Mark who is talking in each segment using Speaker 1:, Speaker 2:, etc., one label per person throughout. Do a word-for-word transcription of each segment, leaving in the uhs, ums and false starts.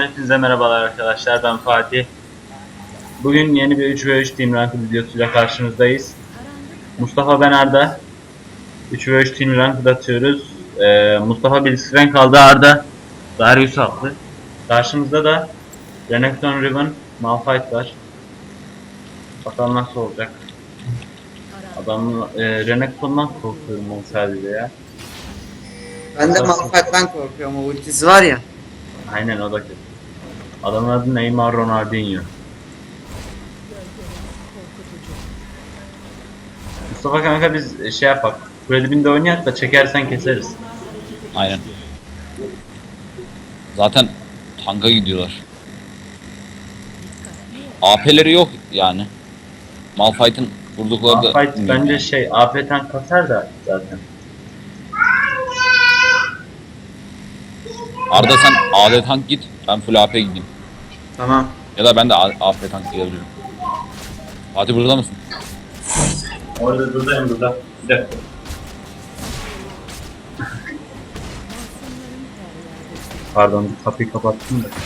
Speaker 1: hepinize merhabalar arkadaşlar, ben Fatih. Bugün yeni bir üç ve üç Team Ranked videosuyla karşınızdayız. Mustafa, ben Arda. üç ve üç Team Ranked atıyoruz. Ee, Mustafa Blitzcrank aldı, Arda Darius aldı. Karşımızda da Renekton Riven Malphite var. Bakalım nasıl olacak. Adam e, Renekton'dan korkuyorum ben sadece ya.
Speaker 2: Ben de Malphite'den korkuyorum, o ultisi var ya.
Speaker 1: Aynen, o da kötü. Adamın adı Neymar Ronaldinho. Mustafa kanka, biz şey yapak. Kule dibinde oynayak da çekersen keseriz.
Speaker 3: Aynen. Zaten tanka gidiyorlar. A P'leri yok yani. Malphite'ın vurdukları da...
Speaker 1: Malphite bence şey A P tank kasar da zaten.
Speaker 3: Arda sen A D tank git, ben full A P gideyim.
Speaker 2: Tamam.
Speaker 3: Ya da ben de A P tank gidebilirim. Fatih burada mısın?
Speaker 1: Orada buradayım, burada. Bir dakika. Pardon, kapıyı kapattım da.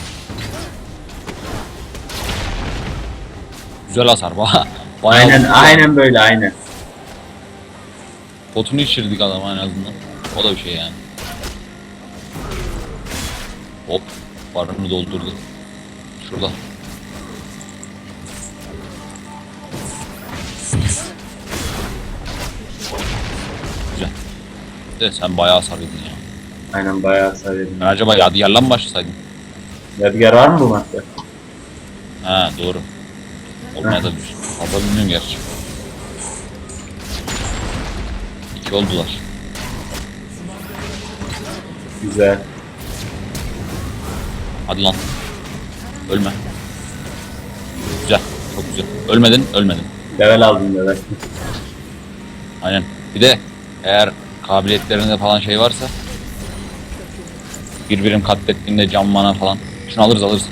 Speaker 3: Güzel hasar bana. Bayağı
Speaker 1: Aynen,
Speaker 3: vurdu.
Speaker 1: aynen böyle, aynen.
Speaker 3: Potunu içirdik adama en azından. O da bir şey yani. Hop. Barını doldurdu. Şurada. Güzel. De sen bayağı hasar yedin ya.
Speaker 1: Aynen, bayağı sarıyordum.
Speaker 3: Ben acaba Yadigar'la mı başlasaydım?
Speaker 1: Yadigar var mı bu maçta?
Speaker 3: Ha doğru. Olmaya da bir. Fazla bilmiyorum gerçi. İki oldular.
Speaker 1: Güzel.
Speaker 3: Hadi lan. Ölme. Güzel. Çok güzel. Ölmedin, ölmedin.
Speaker 1: Level aldım, level.
Speaker 3: Aynen. Bir de eğer kabiliyetlerinde falan şey varsa bir birim katlettiğinde cam mana falan şunu alırız alırız.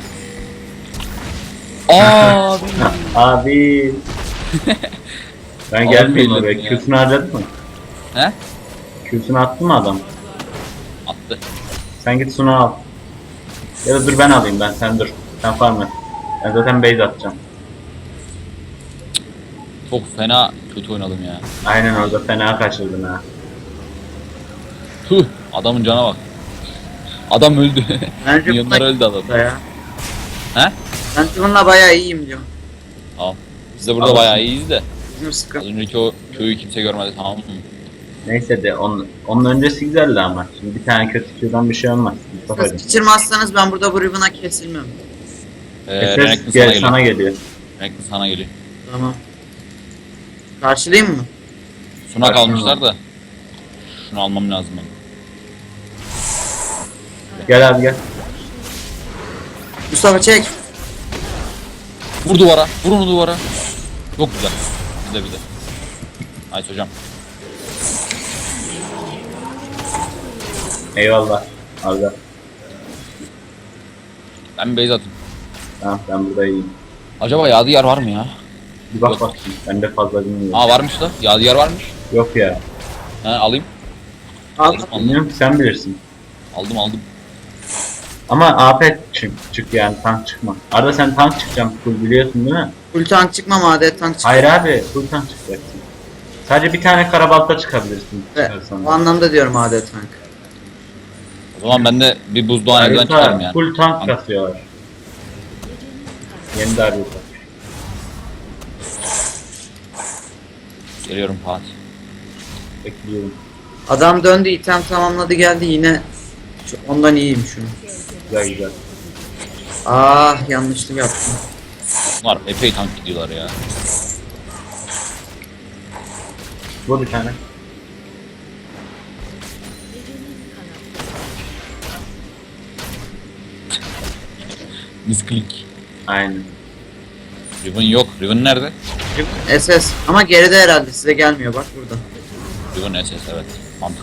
Speaker 3: Abi.
Speaker 1: Abi. Ben
Speaker 3: Oğlum
Speaker 1: gelmeyeyim
Speaker 3: belli
Speaker 1: oraya.
Speaker 3: ya.
Speaker 1: Q'sunu harcadın mı?
Speaker 3: He?
Speaker 1: Q'sunu attı mı adam?
Speaker 3: Attı.
Speaker 1: Sen git Sunu al. Ya da dur ben alayım, ben sen dur. Sen farm et. Ben zaten base atacağım.
Speaker 3: Çok fena kötü oynadım ya.
Speaker 1: Aynen, orada fena kaçırdın ha.
Speaker 3: Tüh. Adamın cana bak. Adam öldü.
Speaker 2: Bence
Speaker 3: Milyonlar öldü adam.
Speaker 2: bununla ya.
Speaker 3: He?
Speaker 2: Ben bununla bayağı iyiyim diyorum.
Speaker 3: Tamam. Biz de burada
Speaker 1: Alırsın.
Speaker 3: bayağı iyiyiz de.
Speaker 2: Bizim
Speaker 3: Az
Speaker 2: sıkıntı.
Speaker 3: önceki o köyü kimse görmedi, tamam mı?
Speaker 1: Neyse de onun, onun öncesi güzeldi ama. Şimdi bir tane kötü Q'dan bir şey olmaz.
Speaker 2: Siz
Speaker 1: Mustafa'cığım.
Speaker 2: kaçırmazsanız ben burada bu Riven'a kesilmem.
Speaker 3: Ee,
Speaker 1: Ses
Speaker 3: Renekton
Speaker 1: gel,
Speaker 3: sana geliyor.
Speaker 1: sana geliyor.
Speaker 3: Renekton sana geliyor.
Speaker 2: Tamam. Karşılayayım mı?
Speaker 3: Suna
Speaker 1: Karşıma.
Speaker 3: kalmışlar da. Şunu almam lazım benim.
Speaker 1: Gel abi gel.
Speaker 2: Mustafa çek.
Speaker 3: Vur duvara. Vur onu duvara. Çok güzel. Bize bize. Nice hocam.
Speaker 1: Eyvallah. Arda.
Speaker 3: Ben bir base atayım.
Speaker 1: Tamam, ben burada iyiyim.
Speaker 3: Acaba Yadigar var mı ya?
Speaker 1: Bir bak
Speaker 3: Yok.
Speaker 1: bakayım. Ben de fazla bilmiyorum.
Speaker 3: Aa varmış da. Yadigar varmış.
Speaker 1: Yok ya.
Speaker 3: He alayım.
Speaker 2: Al.
Speaker 3: Aldım aldım.
Speaker 1: Bilmiyorum ki, sen bilirsin.
Speaker 3: Aldım aldım.
Speaker 1: Ama A P çık, çık yani, tank çıkma. Arda, sen tank çıkacaksın, full biliyorsun değil mi?
Speaker 2: Full tank çıkmam, adet tank çıkmam.
Speaker 1: Hayır abi, full tank çıkacaksın. Sadece bir tane karabalta çıkabilirsin.
Speaker 2: Evet,
Speaker 1: çıkarsan.
Speaker 2: o anlamda diyorum adet tank.
Speaker 3: O zaman ben de bir buzdoğan evden
Speaker 1: Harita,
Speaker 3: çıkarım yani.
Speaker 1: full tank
Speaker 3: Tank.
Speaker 1: kasıyorlar. Yeni darbe.
Speaker 3: Geliyorum Fatih.
Speaker 1: Bekliyorum.
Speaker 2: Adam döndü, item tamamladı, geldi yine. Şu, ondan iyiyim şunu.
Speaker 1: Güzel güzel.
Speaker 2: Ah, yanlışlık yaptım.
Speaker 3: Bunlar epey tank gidiyorlar ya.
Speaker 1: Bu bir tane.
Speaker 3: Misklik.
Speaker 1: Aynen.
Speaker 3: Riven yok. Riven nerede?
Speaker 2: S S ama geride herhalde, size gelmiyor bak burada.
Speaker 3: Riven S S evet. Mantıklı.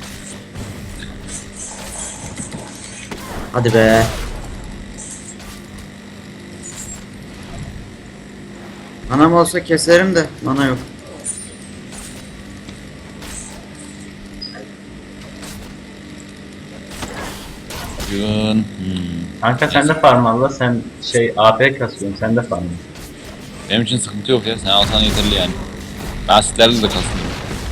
Speaker 2: Hadi be. Manam olsa keserim de mana yok.
Speaker 3: Riven. Hmm.
Speaker 1: Kanka sen de farmalla, sen şey A P kasıyorsun, sen de farmalla.
Speaker 3: Benim için sıkıntı yok ya. Sen alsan yeterli yani. Ben asitlerle de kasmıyorum.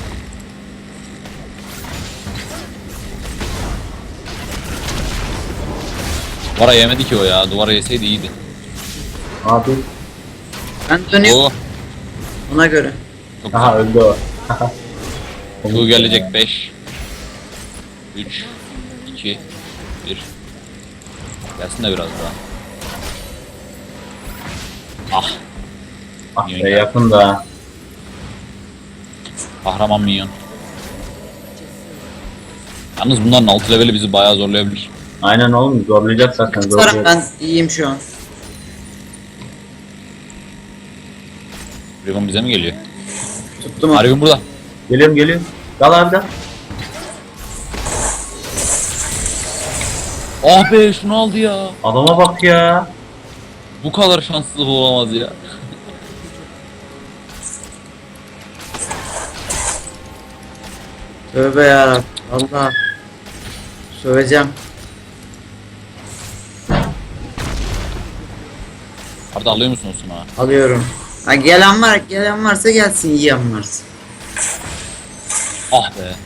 Speaker 3: Duvara yemedi ki o ya. Duvara yeseydi iyiydi.
Speaker 1: Abi.
Speaker 2: Ben dönüyorum
Speaker 3: Oo.
Speaker 2: ona göre.
Speaker 3: Çok
Speaker 1: Aha öldü o.
Speaker 3: Q gelecek beş üç iki bir. Gelsin de biraz daha. Ah,
Speaker 1: Ah be yakın da.
Speaker 3: kahraman minyon. Yalnız bunların altı leveli bizi bayağı zorlayabilir.
Speaker 1: Aynen oğlum, zorlayacak zaten,
Speaker 2: Sarım
Speaker 1: zorlayacak.
Speaker 2: ben iyiyim şu an.
Speaker 3: Riven bize mi geliyor?
Speaker 2: Tuttum onu.
Speaker 3: Riven burada.
Speaker 1: Geliyorum geliyorum. Dal abi dal.
Speaker 3: Ah be, şunu aldı ya.
Speaker 1: Adama bak ya.
Speaker 3: Bu kadar şanssız olamaz ya.
Speaker 2: Tövbe ya. Allah. Söveceğim.
Speaker 3: Arda alıyor musun olsun ha?
Speaker 2: Alıyorum. Ha, gelen var, gelen varsa gelsin, yiyen varsa.
Speaker 3: Ah be.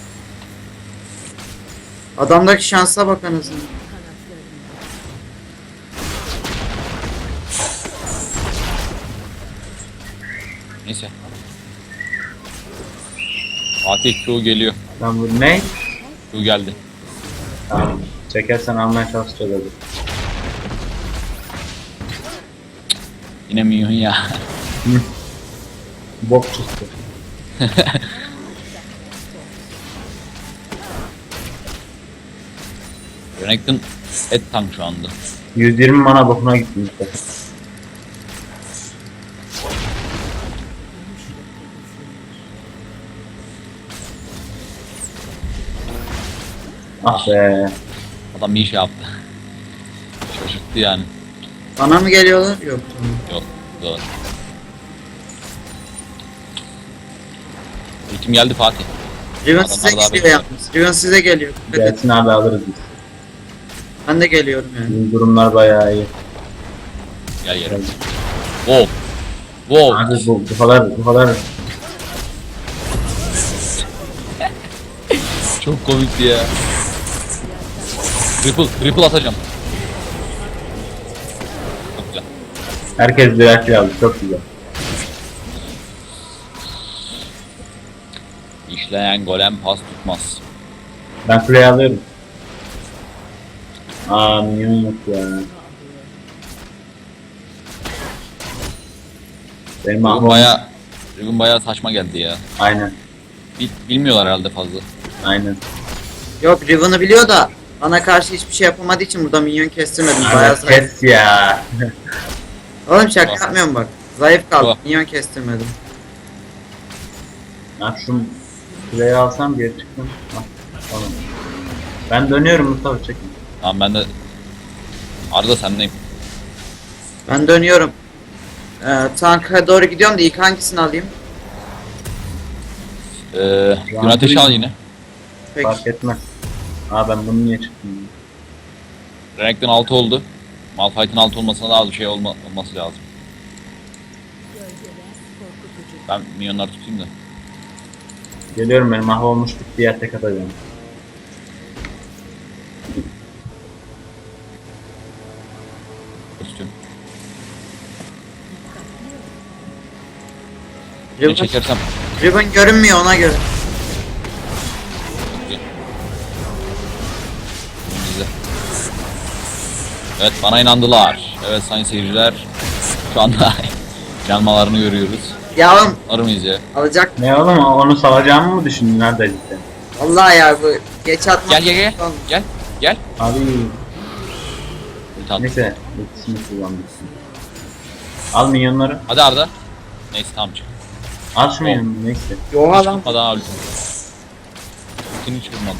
Speaker 2: Adamdaki şansa bak anasını.
Speaker 3: Neyse. Fatih Q geliyor.
Speaker 1: Lan bu ne?
Speaker 3: Q geldi.
Speaker 1: Tamam. Çekersen almaya çalışacağız hadi.
Speaker 3: Yine minyon ya.
Speaker 1: Bok çıktı.
Speaker 3: Renekton et tank şu anda.
Speaker 1: yüz yirmi mana bokuna gitti işte. Ah be.
Speaker 3: Adam iyi şey yaptı. Şaşırttı yani.
Speaker 2: Bana mı geliyorlar? Yok tamam.
Speaker 3: Yok. Doğru. Ultim geldi Fatih.
Speaker 2: Riven
Speaker 3: Adamlar
Speaker 2: size
Speaker 3: daha
Speaker 2: geliyor
Speaker 3: bekliyor.
Speaker 2: yalnız. Riven size geliyor. Dikkat edin.
Speaker 1: Gelsin abi, alırız biz.
Speaker 2: Ben de geliyorum yani.
Speaker 1: Bizim durumlar bayağı iyi.
Speaker 3: Gel gel. Wow. Wow.
Speaker 1: Abi bu, bu kadar bu kadar
Speaker 3: Çok komikti ya. Triple, triple atacağım. Çok güzel.
Speaker 1: herkes birer şey aldı, çok güzel.
Speaker 3: İşleyen golem pas tutmaz.
Speaker 1: Ben kuleyi alıyorum. Aa minyon yok ya. Benim
Speaker 3: Riven
Speaker 1: ahım
Speaker 3: baya, Riven baya saçma geldi ya.
Speaker 1: aynen
Speaker 3: Bil, bilmiyorlar herhalde fazla.
Speaker 1: aynen.
Speaker 2: Yok Riven'ı biliyor da bana karşı hiçbir şey yapamadığı için burada minyon kestirmedim. Bayağı
Speaker 1: Aynen,
Speaker 2: zayıf.
Speaker 1: kes ya.
Speaker 2: Oğlum şaka
Speaker 3: Bak.
Speaker 2: yapmıyorum bak. Zayıf kaldım.
Speaker 3: Bak.
Speaker 2: Minyon kestirmedim.
Speaker 1: Ya şu kuleyi alsam geri çıktım. Hah, tamam. Ben dönüyorum Mustafa, çekin.
Speaker 3: Tamam ben de Arda sendeyim.
Speaker 2: Ben dönüyorum. Ee, tanka doğru gidiyorum da ilk hangisini alayım?
Speaker 3: Ee, gün ateşi al yine.
Speaker 2: Peki.
Speaker 1: Fark etmez. Aa ben bunu niye çıktım?
Speaker 3: Renekton altı oldu. Malphite'ın altı olmasına daha bir şey olma, olması lazım. Ben milyonları tutayım da.
Speaker 1: Geliyorum, benim mahvolmuş bir yer tek atacağım.
Speaker 3: Kostüm. Ne
Speaker 2: Riven,
Speaker 3: çekersem.
Speaker 2: Riven görünmüyor ona göre.
Speaker 3: Bize. Evet, bana inandılar. Evet sayın seyirciler. Şu anda inanmalarını görüyoruz.
Speaker 2: Ya oğlum
Speaker 3: Var mıyız ya?
Speaker 2: alacak.
Speaker 1: Ne oğlum, onu salacağımı mı düşündün, nerede cidden?
Speaker 2: Vallahi ya bu geç atma.
Speaker 3: Gel gel gel. Gel. Gel.
Speaker 1: Abi
Speaker 3: Tamam.
Speaker 1: neyse, etkisini kullanmışsın. Al minyonları.
Speaker 3: Hadi Arda. Neyse tamam çık.
Speaker 1: Al şu minyonu, neyse.
Speaker 2: Oha lan.
Speaker 3: Hadi abi. Ultini hiç vurmadı.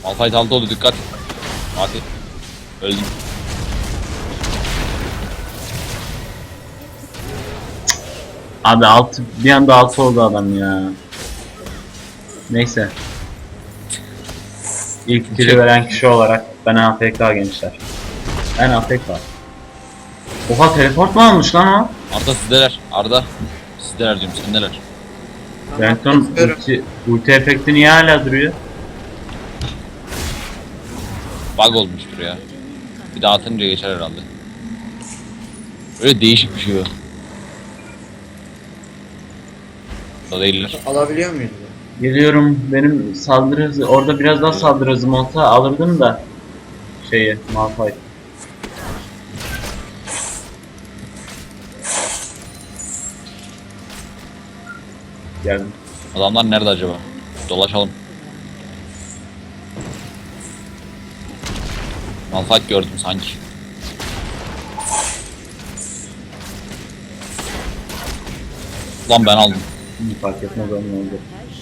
Speaker 3: Malphite altı oldu, dikkat. Fatih. Öldüm.
Speaker 1: Abi altı bir anda altı oldu adam ya. Neyse. İlk kili veren kişi olarak ben A F K gençler. Ben A F K. Oha teleport mu almış lan o?
Speaker 3: Arda sizdeler. Arda. Sizdeler diyorum, sendeler.
Speaker 1: Renekton
Speaker 2: bekliyorum.
Speaker 1: ulti, ulti efekti niye hala duruyor?
Speaker 3: Bug olmuştur ya. Bir daha atınca geçer herhalde. Öyle değişik bir şey bu. Da değiller.
Speaker 2: Alabiliyor muyuz?
Speaker 1: Geliyorum, benim saldırı hızı, orada biraz daha saldırı hızım olsa alırdım da şeyi, Malphite. Geldim.
Speaker 3: Adamlar nerede acaba? Dolaşalım. Malphite gördüm sanki. Lan ben aldım.
Speaker 1: Şimdi fark etmez onun oldu.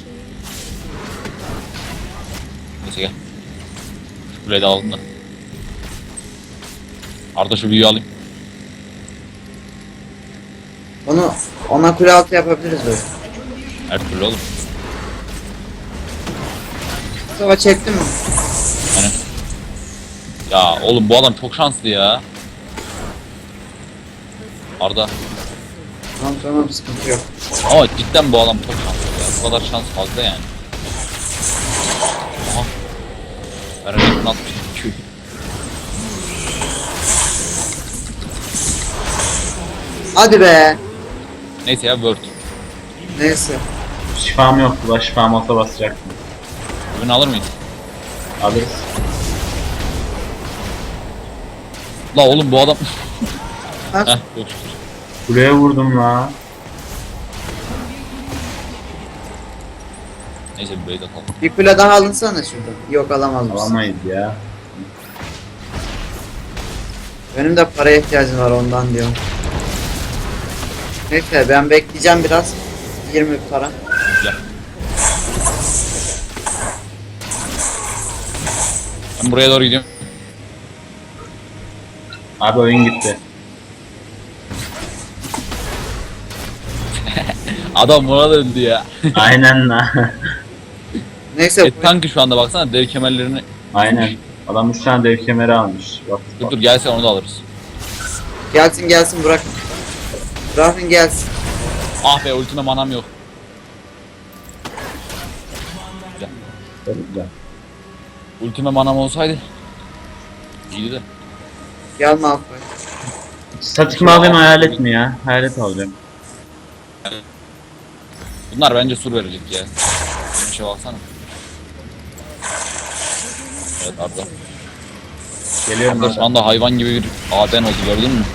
Speaker 3: Neyse gel. Şu kuleyi de aldım da. Arda şu büyüyü alayım.
Speaker 2: Onu ona kule altı yapabiliriz böyle.
Speaker 3: Her türlü olur.
Speaker 2: Mustafa çektin mi?
Speaker 3: Hani. Ya oğlum bu adam çok şanslı ya. Arda.
Speaker 2: Tamam tamam sıkıntı yok.
Speaker 3: Ama cidden bu adam çok şanslı ya. Bu kadar şans fazla yani. Aha. Ben Renekton altmış iki.
Speaker 2: Hadi be.
Speaker 3: Neyse ya Word.
Speaker 2: Neyse.
Speaker 1: Şifam yoktu da şifam olsa basacaktım.
Speaker 3: Ürünü alır mıyız?
Speaker 1: Alırız.
Speaker 3: La oğlum bu adam.
Speaker 2: Ha?
Speaker 3: Heh yok şükür.
Speaker 1: Kuleye vurdum la.
Speaker 3: Neyse bir beyt atalım.
Speaker 2: Bir kule daha alınsana şuradan. Yok alamadım.
Speaker 1: Alamayız ya.
Speaker 2: Benim de paraya ihtiyacım var ondan diyorum. Neyse ben bekleyeceğim biraz. yirmi para.
Speaker 3: Gel. Ben buraya doğru gidiyorum.
Speaker 1: Abi oyun gitti.
Speaker 3: Adam buna da öldü ya.
Speaker 1: Aynen la.
Speaker 2: Neyse
Speaker 3: E, tankı şu anda baksana deri kemerlerini.
Speaker 1: Aynen. Adam üç tane dev kemeri almış. Bak,
Speaker 3: Dur
Speaker 1: bak.
Speaker 3: dur gelse onu da alırız.
Speaker 2: gelsin gelsin bırak. Bırakın gelsin.
Speaker 3: Ah be ultime manam yok. Güzel.
Speaker 1: Çok güzel.
Speaker 3: Ultime manam olsaydı. İyiydi de.
Speaker 2: Gel Malphite.
Speaker 1: Statik mi alayım hayalet mi ya? Hayalet alacağım.
Speaker 3: Bunlar bence sur verecek ya. Bir şey baksana. Evet Arda.
Speaker 1: Geliyorum
Speaker 3: Arda şu
Speaker 1: abi.
Speaker 3: anda hayvan gibi bir aden oldu gördün mü?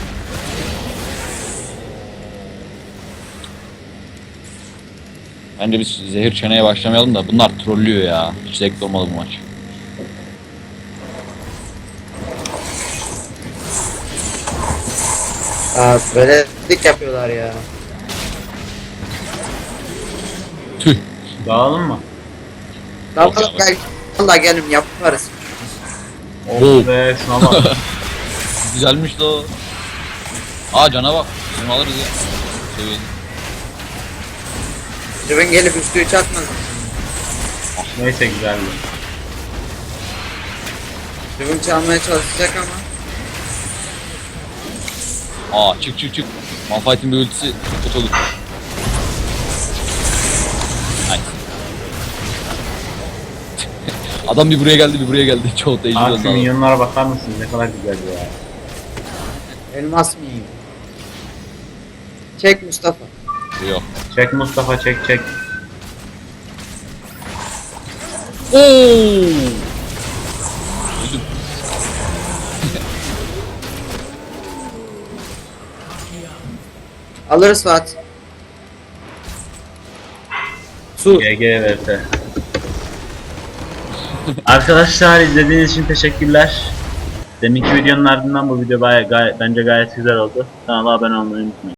Speaker 3: Bence biz zehir çeneye başlamayalım da bunlar trollüyor ya. Hiç zevkli olmadı bu maç.
Speaker 2: Aa, böyle dik yapıyorlar ya.
Speaker 3: Tüh.
Speaker 1: Dağılalım mı?
Speaker 2: Tamam
Speaker 3: Yok ya,
Speaker 2: gel. Valla gelin yaparız.
Speaker 1: Oh
Speaker 3: Oo.
Speaker 1: be şuna bak.
Speaker 3: Güzelmiş de o. Aa cana bak. Bizim alırız ya. Seviyeli.
Speaker 2: Riven gelip üstü üç atmaz.
Speaker 1: Neyse güzeldi.
Speaker 2: Riven çalmaya çalışacak ama.
Speaker 3: Aa çık çık çık. Malphite'in bir ultisi kötü olur. Ay. Adam bir buraya geldi bir buraya geldi. Çok tecrübeli
Speaker 1: Abi
Speaker 3: oldu
Speaker 1: şu
Speaker 3: adam.
Speaker 1: minyonlara bakar mısın? Ne kadar güzel ya.
Speaker 2: Elmas mı yiyeyim? Çek Mustafa.
Speaker 3: Yok.
Speaker 1: Çek Mustafa çek çek.
Speaker 3: Oo! Öldüm.
Speaker 2: Alırız Fatih. Su.
Speaker 1: G G V T. Arkadaşlar izlediğiniz için teşekkürler. Deminki videonun ardından bu video baya, gayet, bence gayet güzel oldu. Kanala abone olmayı unutmayın.